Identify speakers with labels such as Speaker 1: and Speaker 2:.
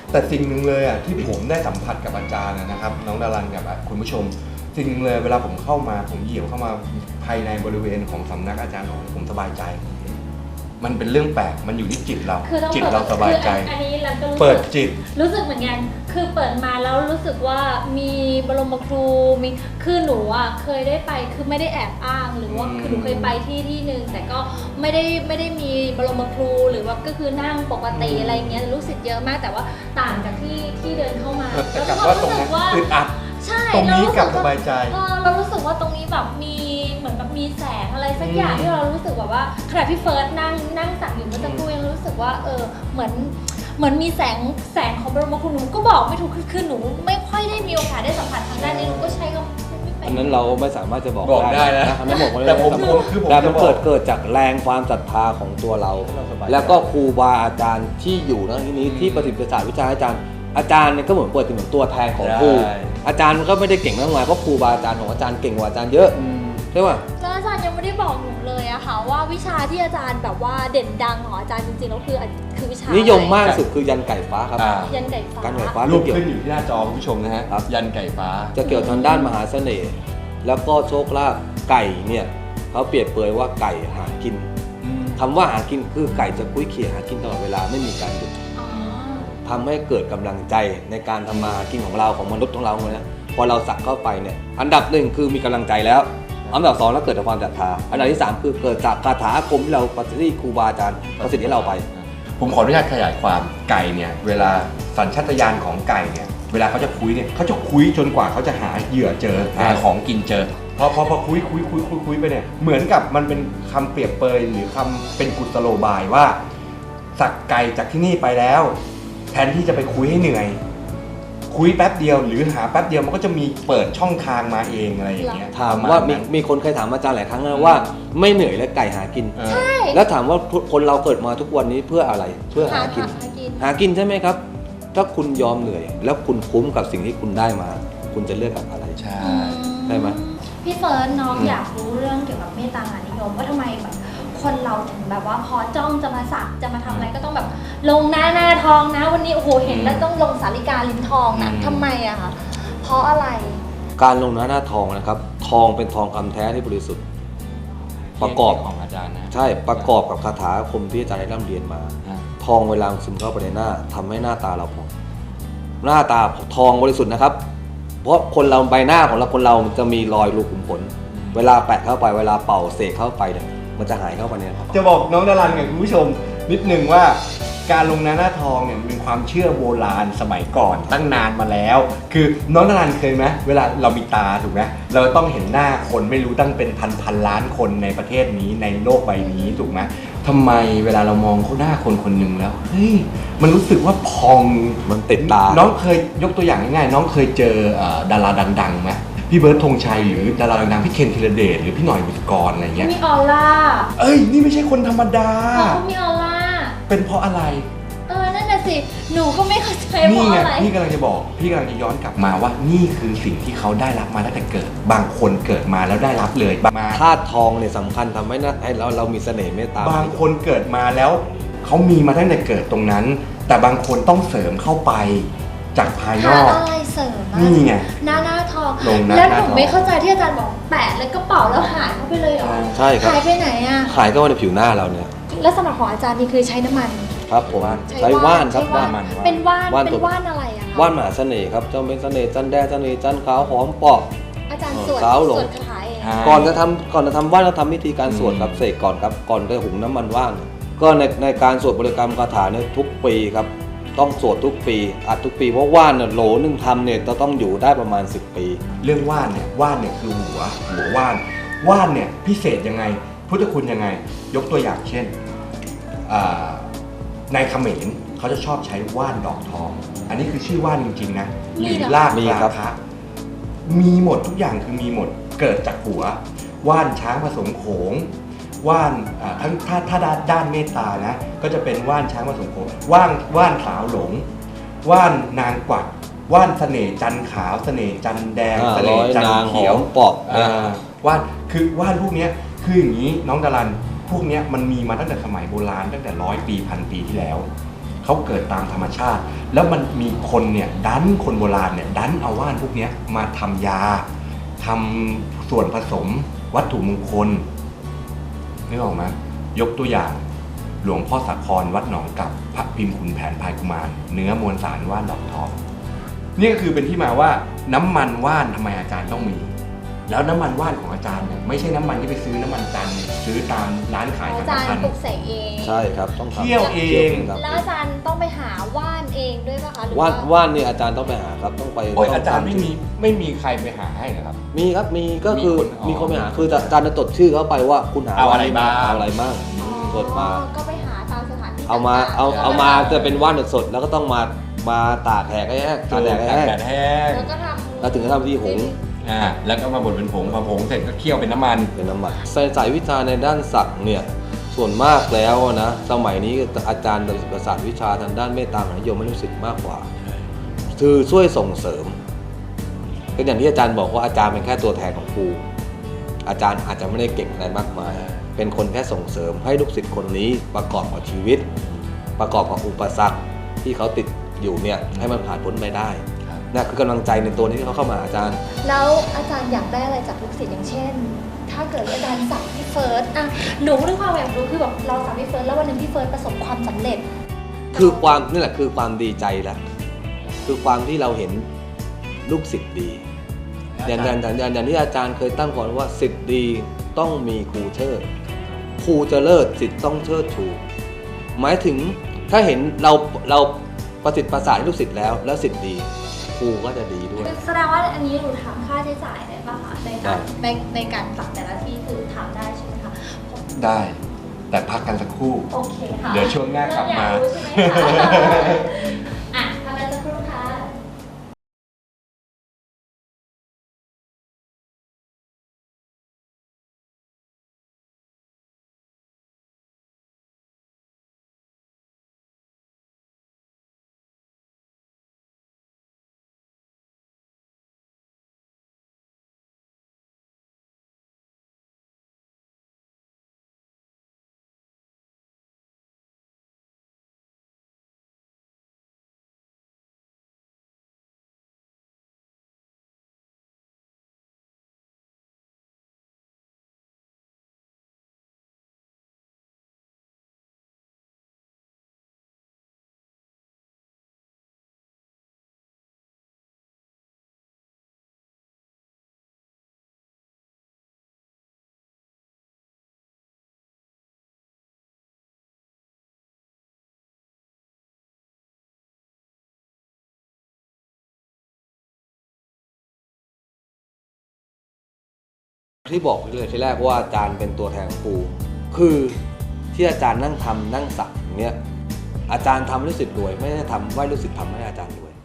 Speaker 1: แต่สิ่งหนึ่งเลยอ่ะที่ผมได้สัมผัสกับอาจารย์นะครับน้องดารันกับคุณผู้ชมสิ่งหนึ่งเลยเวลาผมเข้ามาผมเหยียบเข้ามาภายในบริเวณของสำนักอาจารย์ผมสบายใจมันเป็นเรื่องแปลกมันอยู่ที่จิตเราจิตเราสบายใจ
Speaker 2: อันนี้เราก็
Speaker 1: เปิดจิต
Speaker 2: รู้สึกเหมือนกันคือเปิดมาแล้วรู้สึกว่ามีบรมครูมีคือหนูอ่ะเคยได้ไปคือไม่ได้แอบอ้างหรือว่าคือหนูเคยไปที่นึงแต่ก็ไม่ได้มีบรมครูหรือว่าก็คือนั่งปกติอะไรเงี้ยลูกศิษย์เยอะมากแต่ว่าต่างจากที่เดินเข้ามา
Speaker 1: แต่กลับว่าตรงนั้นอึดอัด
Speaker 2: ใช่
Speaker 1: ตรงนี้กลับสบายใจ
Speaker 2: เรารู้สึกว่าตรงนี้แบบมีเหมือนแบบมีแสงอะไรสักอย่างที่เรารู้สึกแบบว่าขณะที่เฟิร์สนั่งสั่งอยู่เมื่อสักครู่ยังรู้สึกว่าเหมือนมีแสงของบรมครูหนูก็บอกไม่ถูกคือหนูไม่ค่อยได้มีโอกาสได้สัมผัสทางด้านนี้หนูก็ใช้ก็
Speaker 3: อันนั้นเราไม่สามารถจะบอก
Speaker 1: ได้นะ
Speaker 3: อันนั้นบอก
Speaker 1: แต่ผม
Speaker 3: แต่มันเกิดจากแรงความศรัทธาของตัวเราแล้วก็ครูบาอาจารย์ที่อยู่ในที่นี้ที่ประสิทธิ์ศาสตร์วิชาอาจารย์เนี่ยก็เหมือนเปิดเหมือนตัวแทนของครูอาจารย์มันก็ไม่ได้เก่งมากมายเพราะครูบาอาจารย์ของอาจารย์เก่งกว่าอาจารย์เยอะใช่ป่ะ
Speaker 2: แล้วอาจารย์ยังไม่ได้บอกหนูเลยอะค่ะว่าวิชาที่อาจารย์แบบว่าเด่นดังของอาจารย์จริงๆแล้วคือวิชา
Speaker 3: นิยมมากสุดคือยันไก่ฟ้าครับ
Speaker 2: ยันไก่ฟ้า
Speaker 1: รูปขึ้นอยู่ที่หน้าจอคุณผู้ชมนะฮะยันไก่ฟ้า
Speaker 3: จะเกี่ยวทางด้านมหาเสน่ห์แล้วก็โชคลาภไก่เนี่ยเขาเปรียบเปรยว่าไก่หากินคำว่าหากินคือไก่จะคุ้ยเขี่ยหากินตลอดเวลาไม่มีการหยุดทำให้เกิดกำลังใจในการทำมาหากินของเราของมนุษย์ของเราเนี่ยพอเราสักเข้าไปเนี่ยอันดับหนึ่งคือมีกำลังใจแล้วอันดับสองแล้วเกิดจากความศรัทธาอันดับที่สามคือเกิดจากคาถาอาคมที่เราปฏิที่ครูบาอาจารย์ประสิทธิ์ให้เราไป
Speaker 1: ผมขออนุญาตขยายความไก่เนี่ยเวลาสัญชาตญาณของไก่เนี่ยเวลาเขาจะคุยเนี่ยเขาจะคุยจนกว่าเขาจะหาเหยื่อเจอหาของกินเจอพอคุยไปเนี่ยเหมือนกับมันเป็นคำเปรียบเปยหรือคำเป็นกุศโลบายว่าสักไก่จากที่นี่ไปแล้วแทนที่จะไปคุยให้เหนื่อยคุยแป๊บเดียวหรือหาแป๊บเดียวมันก็จะมีเปิดช่องทางมาเองอะไรอย่างเงี้ย
Speaker 3: ถามว่ามีคนเคยถามอาจารย์หลายครั้งนะว่าไม่เหนื่อยและไก่หากิน
Speaker 2: ใช่
Speaker 3: แล้วถามว่าคนเราเกิดมาทุกวันนี้เพื่ออะไรเพื่อหากินใช่ไหมครับถ้าคุณยอมเหนื่อยแล้วคุณคุ้มกับสิ่งที่คุณได้มาคุณจะเลือกกับอะไร
Speaker 1: ใช่
Speaker 3: ไหม
Speaker 2: พี่เฟิร์สน้องอยากรู้เรื่องเกี่ยวกับเมตตามหานิยมว่าทำไมแบบคนเราถึงแบบว่าพอจ้องจะมาสักจะมาทำอะไรก็ต้องแบบลงหน้าทองนะวันนี้โอ้โหเห็นแล้วต้องลงสาริกาลิ้นทองนะทำไมอะคะเพราะอะไร
Speaker 3: การลงหน้าทองนะครับทองเป็นทองคำแท้ที่บริสุทธิ์ประกอบ
Speaker 1: ของอาจารย์นะ
Speaker 3: ใช่ประกอบกับคาถาอาคมที่อาจารย์ได้ร่ำเรียนมาทองเวลาซึมเข้าไปในหน้าทำให้หน้าตาเราผ่องหน้าตาทองบริสุทธิ์นะครับเพราะคนเราใบหน้าของเราคนเราจะมีรอยรูขุมขนเวลาแปะเข้าไปเวลาเป่าเสกเข้าไปเนี่ยมันจะหายเข้าไปเนี่ย
Speaker 1: จะบอกน้องดารันกับคุณผู้ชมนิดนึงว่าการลงหน้าทองเนี่ยเป็นความเชื่อโบราณสมัยก่อนตั้งนานมาแล้วคือน้องดารันเคยไหมเวลาเรามีตาถูกไหมเราต้องเห็นหน้าคนไม่รู้ตั้งเป็นพันล้านคนในประเทศนี้ในโลกใบนี้ถูกไหมทำไมเวลาเรามองเขาหน้าคนหนึ่งแล้วเฮ้ยมันรู้สึกว่าพอง
Speaker 3: มันติดตา
Speaker 1: น้องเคยยกตัวอย่างง่ายๆน้องเคยเจอดาราดังๆไหมพี่เบิร์ดธงชัยหรือดาราดังๆพี่เคนธีรเดชหรือพี่หน่อยบุษกรอะไรเงี้ย
Speaker 2: มีออร่า
Speaker 1: นี่ไม่ใช่คนธรรมดา
Speaker 2: เขามีออร่า
Speaker 1: เป็นเพราะอะไร
Speaker 2: นั่นน่ะสิหนูก็ไม่เข้าใจเพราะอะไร
Speaker 1: พี่กำลังจะบอกพี่กำลังจะย้อนกลับมาว่านี่คือสิ่งที่เขาได้รับมาตั้งแต่เกิดบางคนเกิดมาแล้วได้รับเลย
Speaker 3: ธาตุทองเนี่ยสำคัญทำให้เรามีเสน่ห์เมตตา
Speaker 1: บางคนเกิดมาแล้วเขามีมาตั้งแต่เกิดตรงนั้นแต่บางคนต้องเสริมเข้าไปจากภายนอก
Speaker 2: อะไรเสริม
Speaker 1: นี่ไง
Speaker 2: หน้าทองแล้วหนูไม่เข้าใจที่อาจารย์บอกแปะแล้วก็เป่าแล้วหายเข้าไปเลยเหรอ
Speaker 3: ใช่ครับ
Speaker 2: หายไปไหนอะ
Speaker 3: หายเข้าในผิวหน้าเราเนี่ย
Speaker 2: แล้วสำหรับของอาจารย์นี่คือใช้น้ำมัน
Speaker 3: ครับผมใช้ว่านครับ
Speaker 2: ว่านเป็นว่านอะไรอะคะ
Speaker 3: ว่านมหาเสน่ห์ครับจะเป็นเสน่ห์จันแดงเสน่ห์จันขาวหอมเปาะ
Speaker 2: อาจารย์สวดคาถาเอง
Speaker 3: ก่อนจะทำว่านเราทำวิธีการสวดครับเสกก่อนครับก่อนจะหุงน้ำมันว่านก็ในการสวดบริกรรมคาถาเนี่ยทุกปีครับต้องสวดทุกปีอัดทุกปีเพราะว่านเนี่ยโหลนึงทำเนี่ยจะต้องอยู่ได้ประมาณ10 ปี
Speaker 1: เรื่องว่านเนี่ยคือหัวว่านเนี่ยพิเศษยังไงพุทธคุณยังไงยกตัวอย่างเช่นในเขมรเขาจะชอบใช้ว่านดอกทองอันนี้คือชื่อว่านจริงๆนะหรือรากราคะมีหมดทุกอย่างคือมีหมดเกิดจากหัวว่านช้างผสมโขงว่านทั้งถ้าด้านเมตตานะก็จะเป็นว่านช้างผสมโขงว่านสาวหลงว่านนางกวักว่านเสน่ห์จันขาวเสน่ห์จันแดงเสน่ห์จันเขียว
Speaker 3: ปอก
Speaker 1: ว่านคือว่านพวกนี้คืออย่างนี้น้องดารันพวกนี้มันมีมาตั้งแต่สมัยโบราณตั้งแต่100 ปี 1,000 ปีที่แล้วเขาเกิดตามธรรมชาติ แล้วมันมีคนเนี่ยคนโบราณเนี่ยดันเอาว่านพวกเนี้ยมาทำยาทำส่วนผสมวัตถุมงคลนึกออกไหมยกตัวอย่างหลวงพ่อสาครวัดหนองกับพระพิมพ์ขุนแผนพายกุมารเนื้อมวลสารว่านดอกทองนี่ก็คือเป็นที่มาว่าน้ำมันว่านทำไมอาจารย์ต้องมี แล้วน้ำมันว่านของอาจารย์เนี่ยไม่ใช่น้ำมันที่ไปซื้อน้ำมันจันทร์ซื้อตามร้านขาย
Speaker 2: อา
Speaker 1: สัง
Speaker 2: จาร
Speaker 1: ฆ
Speaker 2: ย์
Speaker 1: ทาน
Speaker 2: ปลุกเสกเอง
Speaker 3: ใช่ครับต้องทำ
Speaker 1: เคี่ยวเอง
Speaker 3: ครับ
Speaker 2: แล้วอาจารย์ต้องไปหาว่านเองด้วยป่ะคะหรือ
Speaker 3: ว่านเนี่ยอาจารย์ต้องไปหาครับต้องไป
Speaker 1: โอ้ย
Speaker 3: ต้ง
Speaker 1: อาจารย์
Speaker 3: ทำ
Speaker 1: ไม่มีใครไปหาให้นะครับ
Speaker 3: มีครับมีก็คือ
Speaker 1: มีคน
Speaker 3: มีคนไปหาคืออาจารย์จะจดชื่อเข้าไปว่าคุณหา
Speaker 1: เอาอะไรบ้าง
Speaker 3: เอาอะไรบ้างจดมา
Speaker 2: ก็ไปหาตามสถานที่
Speaker 3: เอามา
Speaker 2: ต่งๆ
Speaker 3: เอามาจะเป็นว่านสดๆแล้วก็ต้องมาตากแห้งให้แห้งตากแดดให้แห้ง
Speaker 1: แดดแห้ง
Speaker 2: แล้วก็ทำ
Speaker 3: แล้วถึงจะทำวิธีหุง
Speaker 1: แล้วก็มาบดเป็นผงพอผงเสร็จก็เคี่ยวเป็นน้ำมัน
Speaker 3: เป็นน้ำมันสายวิชาในด้านศักดิ์เนี่ยส่วนมากแล้วนะสมัยนี้อาจารย์ประสาทวิชาทางด้านเมตตามหานิยมให้ลูกศิษย์มากกว่าคือช่วยส่งเสริมก็อย่างที่อาจารย์บอกว่าอาจารย์เป็นแค่ตัวแทนของครูอาจารย์อาจจะไม่ได้เก่งอะไรมากมายเป็นคนแค่ส่งเสริมให้ลูกศิษย์คนนี้ประกอบกับชีวิต ประกอบกับอุปสรรคที่เขาติดอยู่เนี่ยให้มันผ่านพ้นไปได้นั่นคือกำลังใจในตัวที่เขาเข้ามาอาจารย์
Speaker 2: แล้วอาจารย์อยากได้อะไรจากลูกศิษย์อย่างเช่น ถ้าเกิดอาจารย์สั่งพี่เฟิร์สอะหนูด้วยความอยากรู้คือแบบเราสั่งพี่เฟิร์สแล้ววันหนึ่งพี่เฟิร์สประสบความสำเร็จ
Speaker 3: คือความนี่แหละคือความดีใจแหละคือความที่เราเห็นลูกศิษย์ดีอย่างที่อาจารย์เคยตั้งก่อนว่าศิษย์ดีต้องมีครูเชิดครูจะเลิศศิษย์ต้องเชิดชูหมายถึงถ้าเห็นเราประสิทธิ์ประสาทให้ลูกศิษย์แล้วศิษย์ดีครูก็จะดีด้วย
Speaker 2: แสดงว่าอันนี้หนูถามค่าใช้จ่ายได้ป่ะคะในการสั่งแต่ละที่คือถามได้ใช่ไหมคะ
Speaker 1: ได้ แต่พักกันสักครู่
Speaker 2: โอเคค่ะ
Speaker 1: เดี๋ยวช่วงหน้ากลับมา
Speaker 2: เริ่อยกรู้ใช่ไหมคะอ่ะทำกันสักครู่ค่ะ
Speaker 3: ที่บอกเลยทีแรกว่าอาจารย์เป็นตัวแทนของครูคือที่อาจารย์นั่งทำนั่งสักอย่างเนี้ยอาจารย์ทำให้ลูกศิษย์รวยไม่ได้ทำให้ลูกศิษย์ทำให้อาจารย์รวย